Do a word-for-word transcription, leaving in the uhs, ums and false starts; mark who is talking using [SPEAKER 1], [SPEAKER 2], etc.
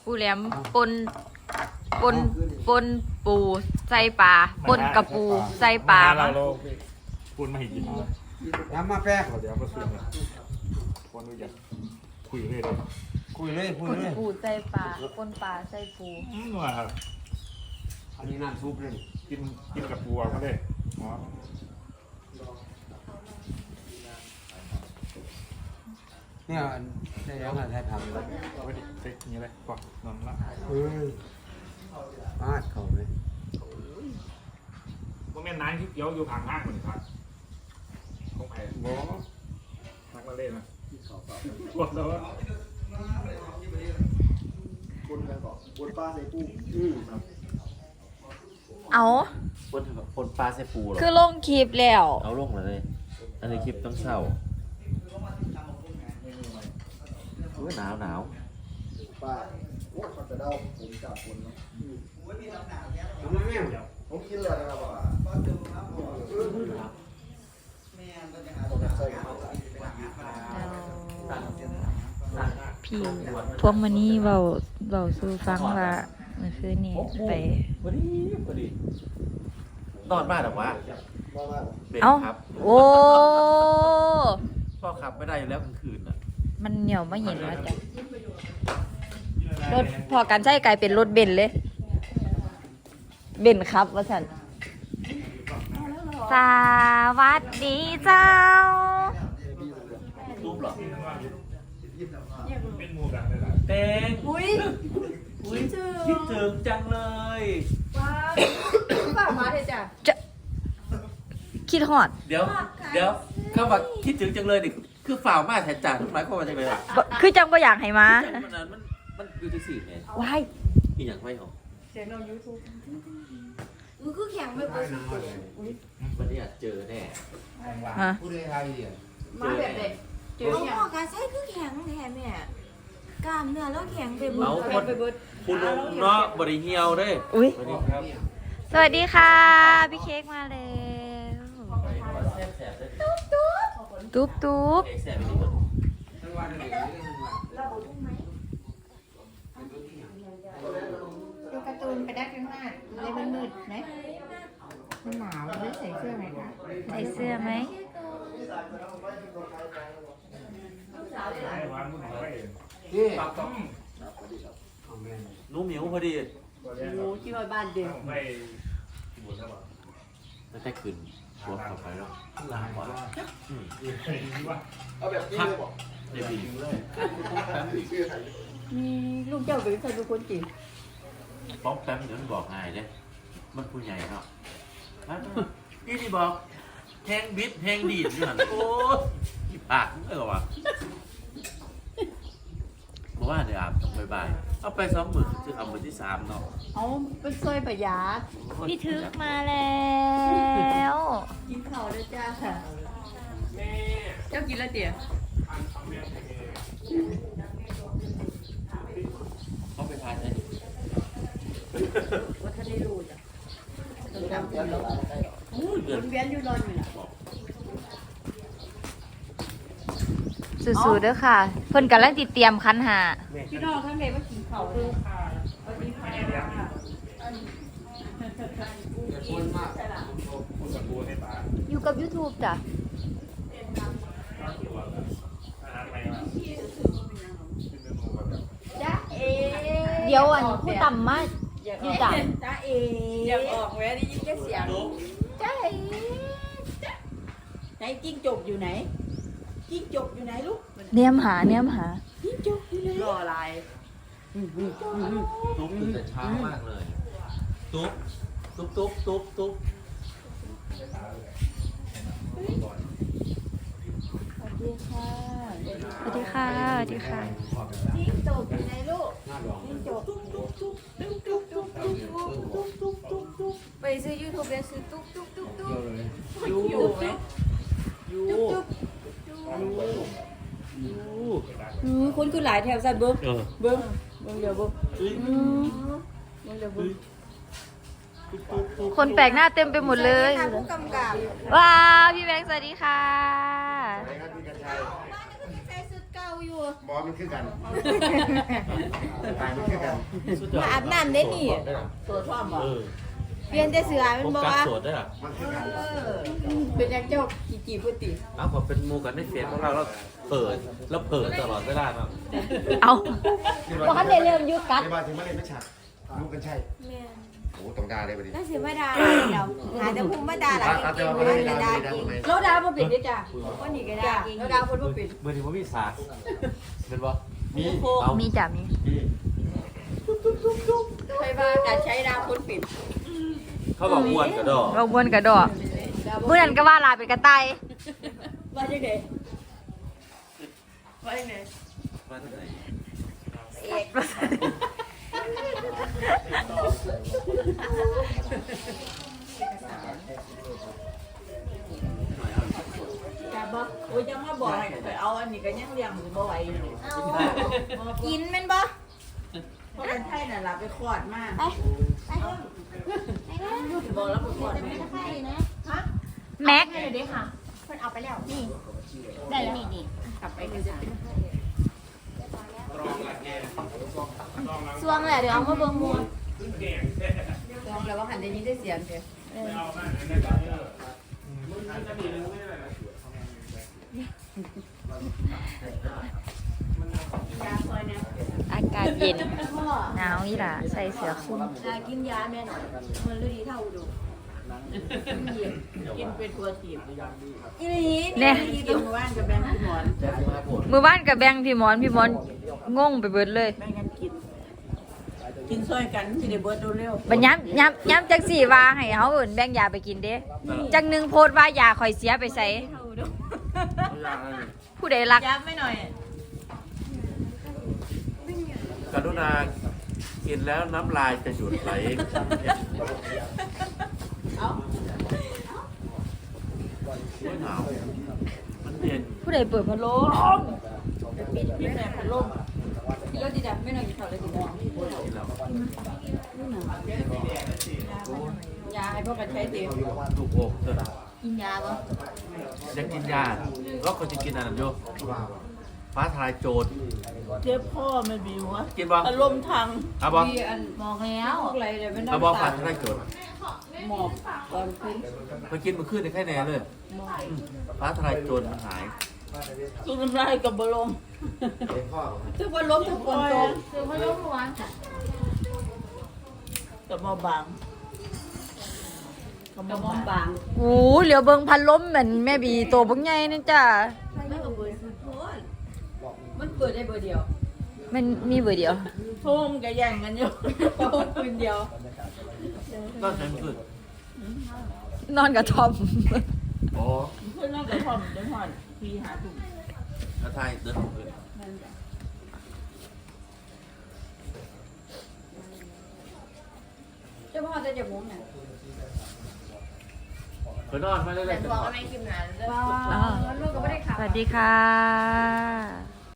[SPEAKER 1] ปูแหลมปนปนปนปูใส่ปลาปนกับปูใส่ปลา
[SPEAKER 2] เราเราพูดมาให้กิน
[SPEAKER 3] น้ำมาแป้ง
[SPEAKER 2] เดี๋ยวมาสู้กันคนรู้จักคุยเลยเลย
[SPEAKER 3] คุยเลยคุย
[SPEAKER 1] ปน
[SPEAKER 3] เลย
[SPEAKER 1] ปูใส่ปลาปนปลาใส่ปู
[SPEAKER 2] อืมว่าครับ
[SPEAKER 3] อันนี้น้ำซุปเลย
[SPEAKER 2] กินกินกับปูเอาก็ได้อ๋อ
[SPEAKER 3] เนี่ยได้แล้วไงได้ทำเลย
[SPEAKER 2] เอาไปดิเซ็กนี้เลยก่อนนอนละ
[SPEAKER 3] เฮ้ยปาดเขาเลย
[SPEAKER 2] ว่าแม่น้ำที่เกี่ยวอยู่ผางห้างเหมือนครับของใครบอนักมาเล่นนะกดแล้วว่า
[SPEAKER 4] คนกันก่อนคนป้าใส่ปู
[SPEAKER 3] อืม
[SPEAKER 1] เอา
[SPEAKER 5] คนคนปลาใส่ปูเหรอ
[SPEAKER 1] คือลงคลิปแล้ว
[SPEAKER 5] เอาลงเลย อันนี้คลิปต้องเศร้าเฮ้ยหนาวหนาว
[SPEAKER 4] ป้าโอ้เขาจะเดาผมจับคนเนาะ
[SPEAKER 3] ทำไมแม่ง
[SPEAKER 4] ผมกินเลยนะครับว่าใส่ข้าว
[SPEAKER 1] พี่พวกมันนี่เบาเบาสู่ฟังว่าเมื่อคืนนี้ไป
[SPEAKER 5] พอดีพอดีนอนบ้านหรอวะ
[SPEAKER 4] ว่าว่า
[SPEAKER 5] เบน
[SPEAKER 1] เอ้า
[SPEAKER 5] ครับ
[SPEAKER 1] โอ้
[SPEAKER 5] พ่อขับไม่ได้อยู่แล้วกลางคืนอ่ะ
[SPEAKER 1] มันเหนียวไม่เห็นแล้วจ้ะรถพอกันใช่กลายเป็นรถเบนซ์เลย เบนซ์ครับว่าสันสวัสดีเจ้า
[SPEAKER 5] รูปเหรอ
[SPEAKER 2] เป็นหมูกันเลยล่ะ
[SPEAKER 5] เตง
[SPEAKER 1] อุ้ย
[SPEAKER 5] คิดถึงคิดถึงจังเลย
[SPEAKER 6] ฝากมาเถอะจ้ะ
[SPEAKER 1] จะคิดฮอด
[SPEAKER 5] เดี๋ยว เดี๋ยวคำว่าคิดถึงจังเลยนี่คือฝ่าวมากแทนจ่าทุกหมายความว่าจังเลยอ่ะ
[SPEAKER 1] บ่คือจังบ่อยากให้มา
[SPEAKER 5] จังมันนั้นมันมันอยู่ที่สี่ไง
[SPEAKER 1] ว้าย
[SPEAKER 5] อีอย่างไม่หรอ
[SPEAKER 6] เสียงเรายูทูบอือคือแข็งไม่ปกติ
[SPEAKER 5] วันนี้อาจเจอแน่
[SPEAKER 1] ฮะ
[SPEAKER 3] ผู้ใดไทยเนี่ย
[SPEAKER 6] มาแบบเด็กเจอ
[SPEAKER 7] เอา
[SPEAKER 6] เนี่ย
[SPEAKER 7] หมอการใช้คือแข็งแทนแม่กล้ามเนื้อแล้วแข็งไปหมด
[SPEAKER 5] เอา
[SPEAKER 6] เอา
[SPEAKER 5] คน
[SPEAKER 6] ไปเบิด
[SPEAKER 5] คุณเนาะบริเฮียวเด้
[SPEAKER 1] อุ้ย
[SPEAKER 5] สวัสดีครับ
[SPEAKER 1] สวัสดีค่ะ พี่เค้กมาแล้ว
[SPEAKER 5] แซ่บแซ่บเลย
[SPEAKER 1] ตุ๊บตุ๊บ
[SPEAKER 5] เค้กแซ่บไปดีกว่า
[SPEAKER 3] ทั้งวันเลย
[SPEAKER 6] ดูการ์ตูนไปได้ข้างหน้าเลยมันมืดไหมมันหนาวเลยใส่เสื้อไหมคะ
[SPEAKER 1] ใส่เสื้อไหม
[SPEAKER 2] ให้วางมือไว้
[SPEAKER 3] นี่
[SPEAKER 2] ปักต้อง
[SPEAKER 3] เอาแม่ง
[SPEAKER 5] หนูหมิวพอดี
[SPEAKER 6] โอ้ที่ว่าบ้านเด็ก
[SPEAKER 2] ไม่บุญแล้วป่ะ
[SPEAKER 5] แล้วแต่คืนหัวขับไปแล้วล้างกว่าอืม
[SPEAKER 4] เอาแบบนี้เลยบอก
[SPEAKER 5] เดี๋ยวบีเลย
[SPEAKER 4] ชื่อใคร
[SPEAKER 6] มีลูกเจ้าเป็นใครเป็นคนจีน
[SPEAKER 5] ป๊อกแป๊บเดี๋ยวมันบอกง่ายเด้มันผู้ใหญ่เนาะนี่ที่บอกแทงบิดแทงดีดอยู่หันโอ้ยปากเออวะบอกว่าเดี๋ยวอาบต้องบ่ายๆเอาไปสองหมื่นคือเอาหมื่นที่สามเนาะ
[SPEAKER 6] เอาเป็นซอยประหยา
[SPEAKER 1] พี่ทึกมาแล้ว
[SPEAKER 6] กินข้าวแล้วจ้าค่ะเจ้ากินแล้วเตี๋ย
[SPEAKER 5] เขาไปทานได้
[SPEAKER 6] ว่าท่านได้รู้จ้ะ
[SPEAKER 5] โอ้ยเดื
[SPEAKER 6] ว
[SPEAKER 5] อน
[SPEAKER 6] นเวียนอยู่รอนอยู่น่ะ
[SPEAKER 1] สู้ๆเด้อค่ะ เพิ่นกำลังติดเตรียมคันหา
[SPEAKER 6] พี่น้องท่านใดว่ากินข้าวเลยสวัสดีค่ะ
[SPEAKER 3] คนมาก
[SPEAKER 2] พูดกับปูให้ตา
[SPEAKER 1] อยู่กับ YouTube จ้ะ
[SPEAKER 2] อาหารใหม่มาเป็นเมนูแบบ
[SPEAKER 6] จ้าเอ
[SPEAKER 1] เดี๋ยวอันผู้ต่ำมาอยู่จ้ะ
[SPEAKER 6] จ้าเออยากออกแม่ได้ยินแค่เสียงจ้าเอไหนจิ้งจกอยู่ไหนจิ้งจกอยู่ไหนลูก
[SPEAKER 1] เนียมหาเนียมหา
[SPEAKER 6] จิ้งจกอยู่ไหนรออะไร
[SPEAKER 5] ตุ๊บตื่นแต่เช้ามากเลยตุ๊บตุ๊บตุ๊บตุ๊บตุ๊บ
[SPEAKER 6] สวัสดีค่ะ
[SPEAKER 1] สวัสดีค่ะ สวัสดีค่ะ
[SPEAKER 6] จิ้งจกอยู่ไหนลูก
[SPEAKER 3] หน้าดอง
[SPEAKER 6] จิ้งจกตุ๊กตุ๊กตุ๊กตุ๊กตุ๊กตุ๊กตุ๊กตุ๊กตุ๊กตุ๊กตุ๊ก
[SPEAKER 7] ไปซื้อยูทูบแล้วซื้อตุ๊กตุ๊กตุ๊กตุ๊ก
[SPEAKER 3] เดียวเลย
[SPEAKER 5] ยู
[SPEAKER 6] อยู่ไหม
[SPEAKER 5] ยู
[SPEAKER 6] ตุ๊ก
[SPEAKER 5] ยู
[SPEAKER 6] อือคุณคือหลายแถวสันเบิ้ง
[SPEAKER 5] เออ
[SPEAKER 6] เบิ้งเบิ้งเดี๋ยวเบิ้ง
[SPEAKER 5] เฮ้ย
[SPEAKER 6] อืมเบิ้งเดี๋ยวเบิ้ง
[SPEAKER 5] ตุ๊บตุ๊บตุ๊บ
[SPEAKER 1] คนแปลกหน้าเต็มไปหมดเลย
[SPEAKER 7] ทางผู้กำกับ
[SPEAKER 1] ว้าว พี่แบงค์สวัสดีค่ะ
[SPEAKER 4] ไหนครับพี่กัญชัย
[SPEAKER 7] ใส่สุดเก่าอยู่
[SPEAKER 4] บอมันคือกันตายมันคือกัน
[SPEAKER 7] มาอาบน้ำได้นี่
[SPEAKER 6] ตัวชอบบอก
[SPEAKER 5] เออ
[SPEAKER 7] เปลี่ยนแต่เสือมัน
[SPEAKER 5] ผม
[SPEAKER 7] บอก
[SPEAKER 5] กัด
[SPEAKER 7] ว่า
[SPEAKER 5] สวดได้หรอ
[SPEAKER 4] มันคือกัน
[SPEAKER 6] เป็นยังเจ้ากี่กี่พุติ
[SPEAKER 5] อ้าวผมเป็นหมูกันในเฟซของเราแล้วเปิดแล้วเปิดตลอดเวลาเนาะ
[SPEAKER 1] เอาบ่ทันได้เริ่มยุดกัด
[SPEAKER 4] ในบ้านถึงมาเล่นไม่ฉัดลูกกันใช่
[SPEAKER 7] แม่น
[SPEAKER 4] โอ้ต้องด่าเลยบัดนี้
[SPEAKER 7] น่าเสียมาดาหลายเดียวหาแต่ภูมิมาดาหลาย
[SPEAKER 4] อาจ
[SPEAKER 7] เก่
[SPEAKER 4] จะ
[SPEAKER 7] ง
[SPEAKER 4] มา
[SPEAKER 7] ๆ
[SPEAKER 4] เล่
[SPEAKER 7] มัน
[SPEAKER 4] น
[SPEAKER 7] เลย
[SPEAKER 4] ด่า
[SPEAKER 7] ดา
[SPEAKER 4] เลยด่า
[SPEAKER 7] เก่ง
[SPEAKER 4] ทำไม
[SPEAKER 6] เราดาวมาปิดดิจ้ะ
[SPEAKER 7] วันนี้ก็ดาเก่ง
[SPEAKER 6] เราดาวคนมาปิด
[SPEAKER 5] เมื่อที่ผมมีสากเป็นบ่
[SPEAKER 4] มี
[SPEAKER 5] เอา
[SPEAKER 1] มีจ้ะมี
[SPEAKER 6] ใครว่าการใช้ดาวคนปิด
[SPEAKER 5] เขาบอกอ้วนกระดอก
[SPEAKER 1] เราบวนกระดอกเมื่อนั้นก็ว่าลาเป็นกระต่าย
[SPEAKER 6] ว่าจังไดว่าจังได
[SPEAKER 5] มาที่ไหน
[SPEAKER 7] เอก
[SPEAKER 6] จ้าบ่โอ้ยยังมาบอกให้ไปเอาอันนี้ก็ยังเลี้ยงอยู่บ่ไหวอยู่นี่
[SPEAKER 7] กินแม่นบ่
[SPEAKER 6] เพราะเป็นไทยน่ะล่ะไปคลอดมา
[SPEAKER 7] ไปไปไปเด้อ
[SPEAKER 6] บอกแล้วไปคลอดมา
[SPEAKER 7] ไปนะฮะ
[SPEAKER 1] แม็ก
[SPEAKER 7] เดี๋ยวค่ะเพิ่นเอาไปแล้วนี่ได้แล้วนี่นี่
[SPEAKER 6] กลับไปคือจะเป็น
[SPEAKER 7] สวงแหละเดี๋ยวเอามาเบิ่งหมู่
[SPEAKER 6] ลองแล้วว่าหันได้ยินได้เสียงเด้ยาซอยเนี่ย
[SPEAKER 1] อากาศเย็นหนาวอีหล่ะใส่เสื้อคลุม
[SPEAKER 7] ยากินยาแม่นมันฤดีเท่าอุดม
[SPEAKER 6] กินเป็นตัวถีบ
[SPEAKER 7] อีหลี
[SPEAKER 1] เนี่ย
[SPEAKER 6] กินเมื่อวานกับแบงค์พี่หมอน
[SPEAKER 1] มือบ้านกับแบงค์พี่หมอนพี่หมอนงงไปเบิดเลย
[SPEAKER 6] แบ่งกันกิน กินซอยกันสิได้เบิดเร็ว
[SPEAKER 1] บัดย้ำย้ำย้ำจักสี่ว่าให้เขาเอิ่นแบ่งยาไปกินเด้จักหนึ่งโพดว่ายาข่อยเสียไปใส่ผู้ใดรัก
[SPEAKER 6] ๆยับไม่หน่อย
[SPEAKER 5] กรุณากินแล้วน้ำลายจะหยุดไหล
[SPEAKER 6] เอา
[SPEAKER 5] หนาวมันเย็น
[SPEAKER 1] ผู้ใดเปิดพัดลม
[SPEAKER 6] ปิดปิดแม่พัดลมกินแล้วดีดับไม่หน่อยกินข้าวเลยกินแล้ว
[SPEAKER 5] กินแล้ว
[SPEAKER 6] ยาให้พวกกันใช้เต็ม
[SPEAKER 5] ลูกอกเถอะ
[SPEAKER 7] กินยาบ่
[SPEAKER 5] อยากกินยาก็คนจะกินอันนั้นโยฟ้าทลายโจร
[SPEAKER 6] เจ็บพ่อไม่มีวะ
[SPEAKER 5] กินบ่
[SPEAKER 6] อารมณ์ทาง
[SPEAKER 5] เอาบ่
[SPEAKER 6] มีอัน
[SPEAKER 7] บอกแล้ว
[SPEAKER 6] พวกอะไรเลยไม่ได้
[SPEAKER 5] เอาบ่ฟ้าทลายโจร
[SPEAKER 6] หมอบตอนขึ้น
[SPEAKER 5] ไปกินมันขึ้นในแค่แน่เลยอืมฟ้าทลายโจรมันหาย
[SPEAKER 6] สู้น้ำลายกับบลม
[SPEAKER 4] เห็นพ่อ
[SPEAKER 6] ทุกวันล้มทุกคนโต
[SPEAKER 7] คือพัดลมเมื่อวานค่ะ
[SPEAKER 6] กับมอบางกับมอบาง
[SPEAKER 1] โอ้เหลียวเบิงพัดลมเหมือนแม่บีโตบักใหญ่นี่จ้ะ
[SPEAKER 6] ไม่กับเบอร์สุดโทษมันเปิดได้เบอร์เดียว
[SPEAKER 1] มันมีเบอร์เดียว
[SPEAKER 6] ทุ่มกับแย่งกันอยู่ทุ่มคืนเดียว
[SPEAKER 5] ก็ใช้มันขึ้น
[SPEAKER 1] นอนกับทอม
[SPEAKER 5] อ๋อ
[SPEAKER 6] เพื่อนน้องกับพ่อมเดินหอนพี่หาถุง
[SPEAKER 5] แล้วทายเดินออกเลย
[SPEAKER 6] นั่นจ้ะ เจ้าพ่อจะจะมุ้งเนี่ย
[SPEAKER 5] ไปนอนไม่ได้เลย
[SPEAKER 7] แต่บอกว่าไม่กินนานเลย
[SPEAKER 6] ลูกก็ไม่ได้ขับ
[SPEAKER 1] สวัสดีค่ะ